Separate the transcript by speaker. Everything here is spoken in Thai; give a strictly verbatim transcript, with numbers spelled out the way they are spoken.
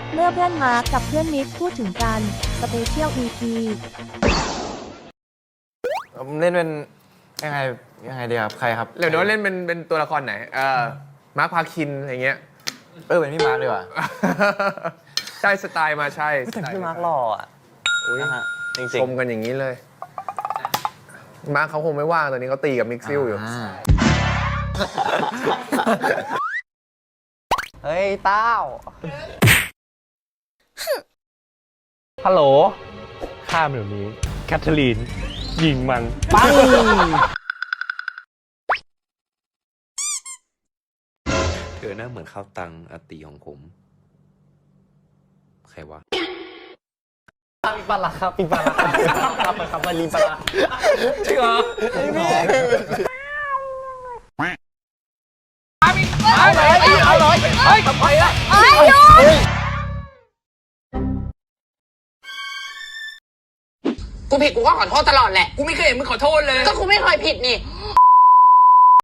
Speaker 1: เมื่อเพื่อนมาร์คกับเพื่อนมิกพูดถึงกันสเปเชียล อี พี
Speaker 2: ผมเล่นเป็นยังไงยังไงดีครับใครครับ
Speaker 3: เดี๋ยวโน้ตเล่นเป็นเป็นตัวละครไหนเออมาร์คพาคินอะไรเงี้ย
Speaker 2: เออเป็นพี่มาร์คดีกว่า
Speaker 3: ใช่สไตล์มาใช่
Speaker 4: แต่พี่มาร์คหล่ออ่ะ
Speaker 3: อุ๊ย
Speaker 4: นะฮะจริง
Speaker 3: ชมกันอย่างนี้เลย มาร์คเขาคงไม่ว่างตอนนี้เขาตีกับมิกซิลอยู่
Speaker 4: ๆ เฮ้ยเต้า
Speaker 5: ฮัลโหลข้ามเดี๋ยวนี้ แคทเธอรีน ยิงมัน
Speaker 4: ปัง
Speaker 6: เธอหน้าเหมือนข้าวตังอาตีของผม ใครวะ
Speaker 4: ปีปลาร้าครับปีปลาร้าครับไปครับมารีปลาร้า
Speaker 5: จริงเหรอ
Speaker 4: เอาเลยเอาเลยเฮ้ยไปละ
Speaker 1: เอ้ยหยุด
Speaker 7: กูผิดกูก็ขอโทษตลอดแหละ กูไม่เคยเห็นมึงขอโทษเลย ก็กูไม่เคยผิดนี่